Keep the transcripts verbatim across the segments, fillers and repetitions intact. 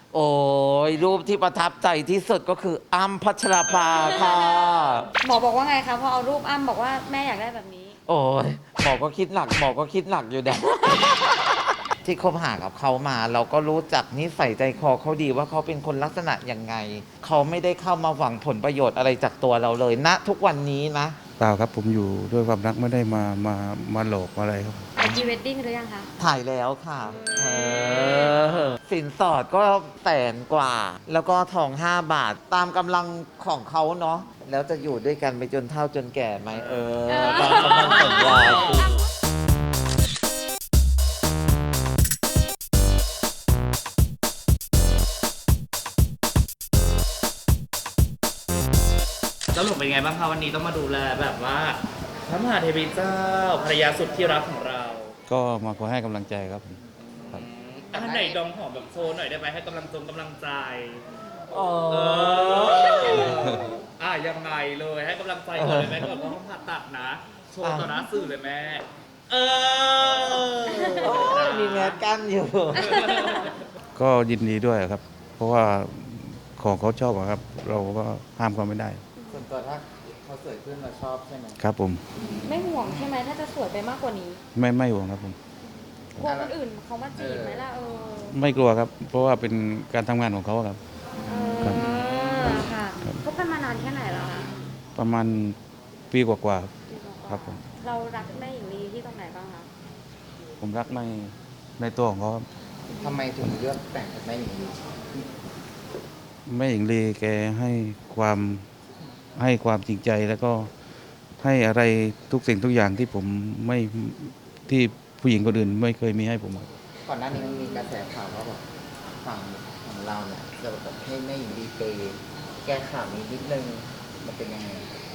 โอ้ยรูปที่ประทับใจที่สุดก็คืออ้ำพัชราภาค่ะหมอบอกว่าไงคะพอเอารูปอ้ำบอกว่าแม่อยากได้แบบนี้โอ้ยหมอก็คิดหนักหมอก็คิดหนักอยู่นะ ที่คบหากับเขามา เราก็รู้จักนิสัยใจคอเขาดีว่าเขาเป็นคนลักษณะยังไง เขาไม่ได้เข้ามาหวังผลประโยชน์อะไรจากตัวเราเลยณทุกวันนี้นะเปล่าครับผมอยู่ด้วยความรักไม่ได้มามามาหลอกอะไรครับไปพรีเวดดิ้งหรือยังคะถ่ายแล้วค่ะเออสินสอดก็แสนกว่า แล้วก็ทองห้าบาทตามกำลังของเขาเนาะแล้วจะอยู่ด้วยกันไปจนเฒ่าจนแก่ไหมเออตามกำลังสัญญาคือแล้วหนูเป็นไงบ้างคะวันนี้ต้องมาดูแลแบบว่าพระมหาเทวีเจ้าภรรยาสุดที่รักของเราก็มาขอให้กำลังใจครับผมครับอันไหนดองหอมแบบโชว์หน่อยได้ไหมให้กำลังจงกำลังใจอ๋อเอออ่ะยังไงเลยให้กำลังใจก่อนเลยแม่ก่อนเพราะห้องผ่าตัดนะ โชว์ต่อหน้าสื่อเลยแม่ เออโอ้ยมีแมสกั้นอยู่ก็ยินดีด้วยครับ เพราะว่าของเขาชอบอะครับ เราก็ห้ามเขาไม่ได้ส่วนตัวถ้าเขาสวยขึ้นเราชอบใช่ไหมครับผมไม่ห่วงใช่ไหมถ้าจะสวยไปมากกว่านี้ไม่ไม่ห่วงครับผมกลัวคนอื่นเขามาจีบไหมล่ะเออไม่กลัวครับ เพราะว่าเป็นการทำงานของเขาครับเอครับอค่ะคบกันมานานแค่ไหนแล้วคะประมาณปีกว่าๆครับ ครับผมเรารักแม่หญิงลีที่ตรงไหนบ้างคะผมรักในในตัวของเขาครับทำไมถึงเลือกแต่งกับแม่หญิงลีแม่หญิงลีแกให้ความให้ความจริงใจแล้วก็ให้อะไรทุกสิ่งทุกอย่างที่ผมไม่ที่ผู้หญิงคนอื่นไม่เคยมีให้ผมครับก่อนหน้านี้มันมีกระแสข่าวว่าแบบฝั่งของเราเนี่ยจะแบบให้แม่หญิงดีเปย์แก้ข่าวนี้นิดนึงมันเป็นยังไง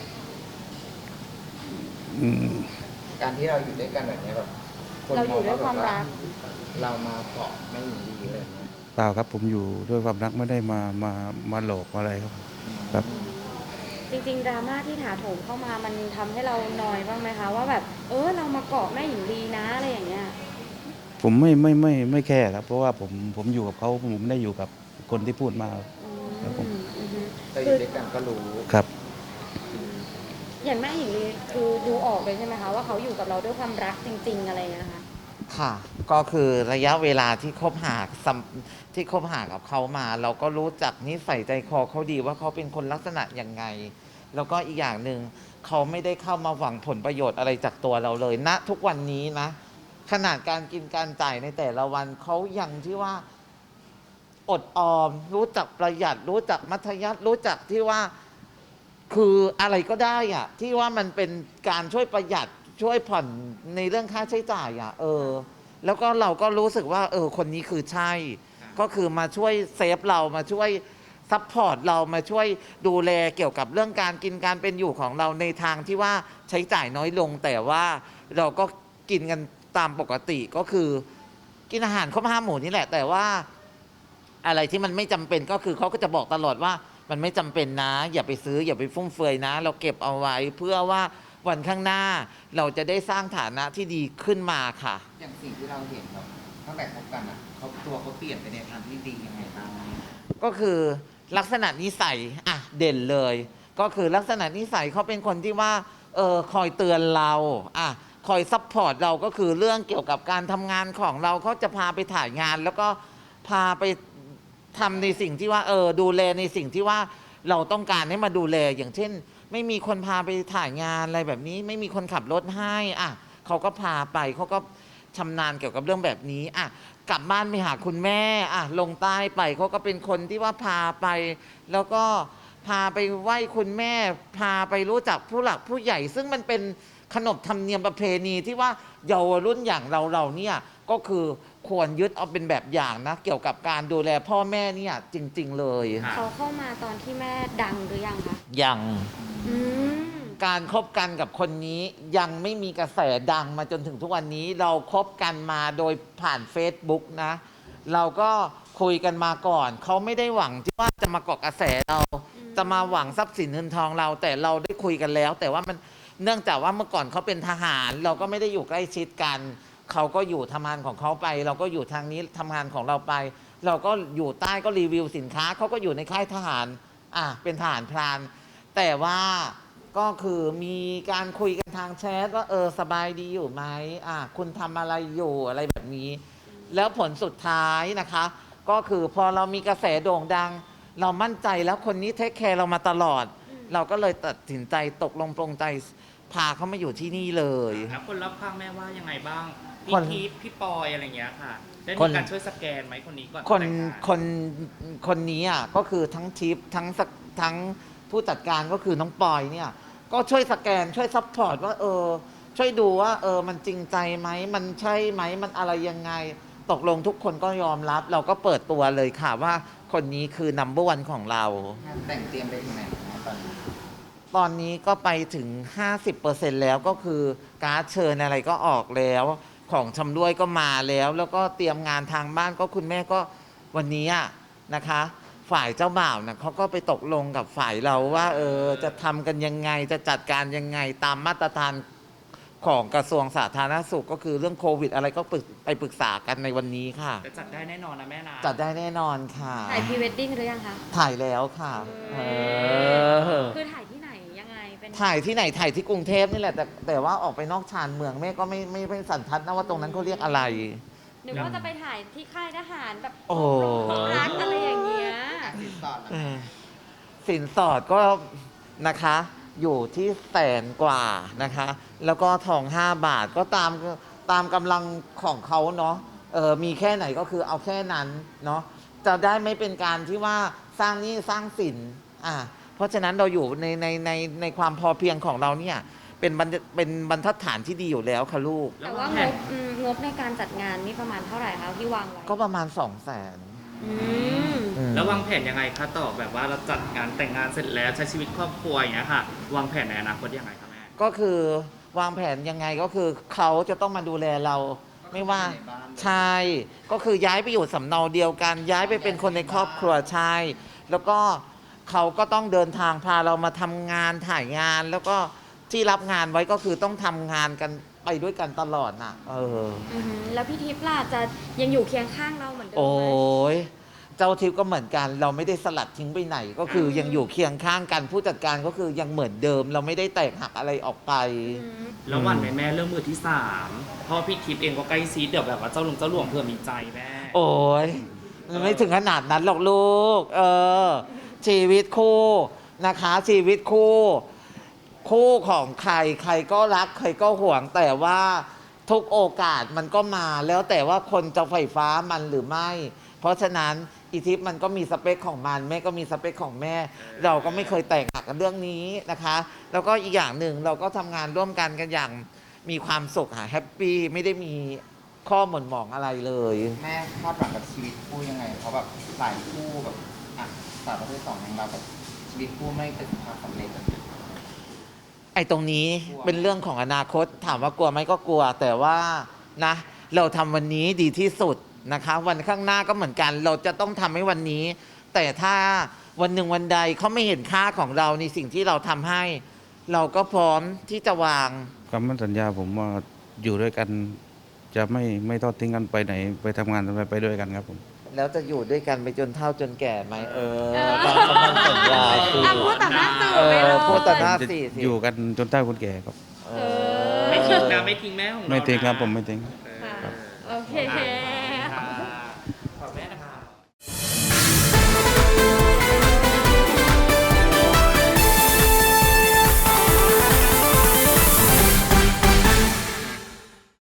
อืมการที่เราอยู่ด้วยกันแบบเนี้ยแบบคนเราอมอยู่ งด้วยว่าคแบวามบว่ารักเรามาเกาะแม่หญิงดีอะไรอย่างเงี้ยเปล่าครับผมอยู่ด้วยความรักไม่ได้มามามาหลอกอะไรครับ ครับจริงๆดราม่าที่ถาโถมเข้ามามันทำให้เรานอยบ้างไหมคะว่าแบบเออเรามาเกาะแม่หญิงลีนะอะไรอย่างเงี้ยผมไม่ไม่ไม่ไม่แค่ครับ เพราะว่าผมผมอยู่กับเขาผมไม่ได้อยู่กับคนที่พูดมาอืมครับผมอือฮึแต่อยู่ด้วยกันก็รู้ครับอย่างแม่หญิงลีคือดูออกเลยใช่ไหมคะว่าเขาอยู่กับเราด้วยความรักจริง ๆ อะไรอย่างเงี้ยนะคะค่ะ ก็คือระยะเวลาที่คบหาสัมที่คบหากับเขามา เราก็รู้จักนิสัยใจคอเขาดีว่าเขาเป็นคนลักษณะยังไง แล้วก็อีกอย่างหนึ่งเขาไม่ได้เข้ามาหวังผลประโยชน์อะไรจากตัวเราเลยณทุกวันนี้นะ ขนาดการกินการจ่ายในแต่ละวันเขายังที่ว่า อดออม รู้จักประหยัด รู้จักมัธยัสถ์รู้จักที่ว่า คืออะไรก็ได้อะที่ว่ามันเป็นการช่วยประหยัดช่วยผ่อนในเรื่องค่าใช้จ่ายอะเออ แล้วก็เราก็รู้สึกว่า เออ คนนี้คือใช่ ก็คือมาช่วยเซฟเรามาช่วยซัพพอร์ตเรามาช่วยดูแลเกี่ยวกับเรื่องการกินการเป็นอยู่ของเราในทางที่ว่าใช้จ่ายน้อยลง แต่ว่าเราก็กินกันตามปกติก็คือกินอาหารครบห้าหมู่นี่แหละ แต่ว่า อะไรที่มันไม่จำเป็นก็คือเขาก็จะบอกตลอดว่ามันไม่จำเป็นนะ อย่าไปซื้ออย่าไปฟุ่มเฟือยนะ เราเก็บเอาไว้ เพื่อว่าวันข้างหน้า เราจะได้สร้างฐานะที่ดีขึ้นมาค่ะอย่างสิ่งที่เราเห็นแบบตั้งแต่คบกันอ่ะเขาตัวเขาเปลี่ยนไปในทางที่ดียังไงบ้างก็คือลักษณะนิสัยอ่ะเด่นเลย ก็คือลักษณะนิสัยเขาเป็นคนที่ว่าเออคอยเตือนเราอ่ะคอยซัพพอร์ตเราก็คือเรื่องเกี่ยวกับการทำงานของเราเขาจะพาไปถ่ายงาน แล้วก็พาไปทำในสิ่งที่ว่าเออดูแลในสิ่งที่ว่าเราต้องการให้มาดูแลอย่างเช่น ไม่มีคนพาไปถ่ายงานอะไรแบบนี้ ไม่มีคนขับรถให้อ่ะเขาก็พาไปเขาก็ชำนาญเกี่ยวกับเรื่องแบบนี้อ่ะกลับบ้านไปหาคุณแม่อ่ะลงใต้ไปเขาก็เป็นคนที่ว่าพาไป แล้วก็พาไปไหว้คุณแม่ พาไปรู้จักผู้หลักผู้ใหญ่ ซึ่งมันเป็นขนบธรรมเนียมประเพณีที่ว่าเยาวรุ่นอย่างเราเราเนี่ยก็คือควรยึดเอาเป็นแบบอย่างนะ เกี่ยวกับการดูแลพ่อแม่เนี่ยจริง ๆ เลยค่ะเขาเข้ามาตอนที่แม่ดังหรือยังคะยังอืมการคบกันกับคนนี้ยังไม่มีกระแสดังมาจนถึงทุกวันนี้เราคบกันมาโดยผ่าน Facebook นะ เราก็คุยกันมาก่อน เขาไม่ได้หวังที่ว่าจะมาเกาะกระแสเรา จะมาหวังทรัพย์สินเงินทองเรา แต่เราได้คุยกันแล้ว แต่ว่ามันเนื่องจากว่าเมื่อก่อนเขาเป็นทหาร เราก็ไม่ได้อยู่ใกล้ชิดกัน เขาก็อยู่ทำงานของเขาไป เราก็อยู่ทางนี้ทำงานของเราไปเราก็อยู่ใต้ก็รีวิวสินค้าเขาก็อยู่ในค่ายทหารอ่ะเป็นทหารพรานแต่ว่าก็คือมีการคุยกันทางแชทว่าเออสบายดีอยู่ไหมอ่ะคุณทำอะไรอยู่อะไรแบบนี้ แล้วผลสุดท้ายนะคะ ก็คือพอเรามีกระแสโด่งดัง เรามั่นใจแล้วคนนี้เทคแคร์เรามาตลอด เราก็เลยตัดสินใจตกลงปรงใจพาเขามาอยู่ที่นี่เลยแล้วคนรอบข้างแม่ว่ายังไงบ้างคพี่นทีฟพี่ปอยอะไรอย่างเงี้ยค่ะ ได้คมีนการช่วยสแกนไหมคนนี้ก่อนคนแต่งงานคนคนนี้อ่ะก็คือทั้งทิปทั้งสกทั้งผู้จัดการก็คือน้องปอยเนี่ยก็ช่วยสแกนช่วยซัพพอร์ตว่าเออช่วยดูว่าเออมันจริงใจไหมมันใช่ไหมมันอะไรยังไง ตกลงทุกคนก็ยอมรับ เราก็เปิดตัวเลยค่ะว่าคนนี้คือนัมเบอร์วันของเรางานแต่งเตรียมไปถึงไหนนะตอนนี้ตอนนี้ก็ไปถึง ห้าสิบเปอร์เซ็นต์ แล้วก็คือการ์ดเชิญอะไรก็ออกแล้ว ของชำร่วยก็มาแล้ว แล้วก็เตรียมงานทางบ้านก็คุณแม่ก็วันนี้อะนะคะ ฝ่ายเจ้าบ่าวนะเขาก็ไปตกลงกับฝ่ายเราว่าเออจะทำกันยังไงจะจัดการยังไงตามมาตรฐานของกระทรวงสาธารณสุขก็คือเรื่องโควิด อะไรก็ปรึกไปปรึกษากันในวันนี้ค่ะจะจัดได้แน่นอนนะแม่นะจัดได้แน่นอนค่ะถ่ายพรีเวดดิ้งหรือยังคะถ่ายแล้วค่ะเออคือถ่ายที่ไหนยังไงเป็นถ่ายที่ไหนถ่ายที่กรุงเทพนี่แหละแต่แต่ว่าออกไปนอกชานเมืองแม่ก็ไม่ไม่ไม่สันทัดนะว่าตรงนั้นเขาเรียกอะไรหรือว่าจะไปถ่ายที่ค่ายทหารแบบโอ้รักอะไรอย่างเงี้ยสินสอดนะเออสินสอดก็นะคะอยู่ที่แสนกว่านะคะ แล้วก็ทองห้าบาทก็ตามตามกำลังของเขาเนาะเออมีแค่ไหนก็คือเอาแค่นั้นเนาะจะได้ไม่เป็นการที่ว่าสร้างหนี้สร้างสินอ่าเพราะฉะนั้นเราอยู่ในในในในความพอเพียงของเราเนี่ยเป็นบรรเป็นบรรทัดฐานที่ดีอยู่แล้วค่ะลูกแต่ว่างบอืมงบในการจัดงานนี่ประมาณเท่าไหร่คะที่วางไว้ก็ประมาณสองแสนอืมแล้ววางแผนยังไงคะต่อแบบว่าเราจัดงานแต่งงานเสร็จแล้วใช้ชีวิตครอบครัวอย่างเงี้ยค่ะ วางแผนในอนาคตยังไงคะแม่ก็คือวางแผนยังไงก็คือเขาจะต้องมาดูแลเราไม่ว่าใช่ก็คือย้ายไปอยู่สำเนาเดียวกัน ย้ายไปเป็นคนในครอบครัวใช่แล้วก็เขาก็ต้องเดินทางพาเรามาทำงานถ่ายงาน แล้วก็ที่รับงานไว้ก็คือต้องทำงานกันไปด้วยกันตลอดน่ะเอออือหือแล้วพี่ทิพย์ล่ะจะยังอยู่เคียงข้างเราเหมือนเดิมโอ้ไหมยเจ้าทิพย์ก็เหมือนกัน เราไม่ได้สลัดทิ้งไปไหน ก็คือยังอยู่เคียงข้างกันผู้จัดการก็คือยังเหมือนเดิม เราไม่ได้แตกหักอะไรออกไปอืมแล้ววันไหนแม่เรื่องมือที่สามเพราะพี่ทิพย์เองก็ใกล้ซีดเดี๋ยวแบบว่าเจ้าลุงเจ้าหลวงเพื่อมีใจแม่โอ้ยมันไม่ถึงขนาดนั้นหรอกลูก เออ ชีวิตคู่นะคะ ชีวิตคู่ คู่ของใครใครก็รัก ใครก็ห่วง แต่ว่าทุกโอกาสมันก็มา แล้วแต่ว่าคนจะไฟฟ้ามันหรือไม่ เพราะฉะนั้นอีทิพย์มันก็มีสเปคของมัน แม่ก็มีสเปคของแม่ เราก็ไม่เคยแตกหักกันเรื่องนี้นะคะ แล้วก็อีกอย่างหนึ่งเราก็ทำงานร่วมกันกันอย่างมีความสุขค่ะแฮปปี้ไม่ได้มีข้อหม่นหมองอะไรเลยแม่คาดหวังกับชีวิตคู่ยังไง เพราะแบบหลายคู่แบบอ่ะสาวประเภทสองอย่างเราแบบชีวิตคู่ไม่ประสบความสำเร็จอะไอ้ตรงนี้กลัวเป็นเรื่องของอนาคตถามว่ากลัวไหมก็กลัว แต่ว่านะเราทำวันนี้ดีที่สุดนะคะ วันข้างหน้าก็เหมือนกัน เราจะต้องทำให้วันนี้ แต่ถ้าวันหนึ่งวันใดเขาไม่เห็นค่าของเราในสิ่งที่เราทำให้ เราก็พร้อมที่จะวางคำมั่นสัญญาผมว่าอยู่ด้วยกันจะไม่ไม่ทอดทิ้งกันไปไหน ไปทำงานไปไปด้วยกันครับผมแล้วจะอยู่ด้วยกันไปจนเฒ่าจนแก่ไหมเออเออตามคำมั่นสัญญาสิอ่ะพูดต่อหน้าสื่อเอไปเลอย พูดต่อหน้าจะสี่สิอยู่กันจนเฒ่าคนแก่ครับเอเออไม่ทิ้งนะไม่ทิ้งแม่ของเราไม่ทิ้งครับนะผมไม่ทิ้งเออค่ะโอเคอ่ะ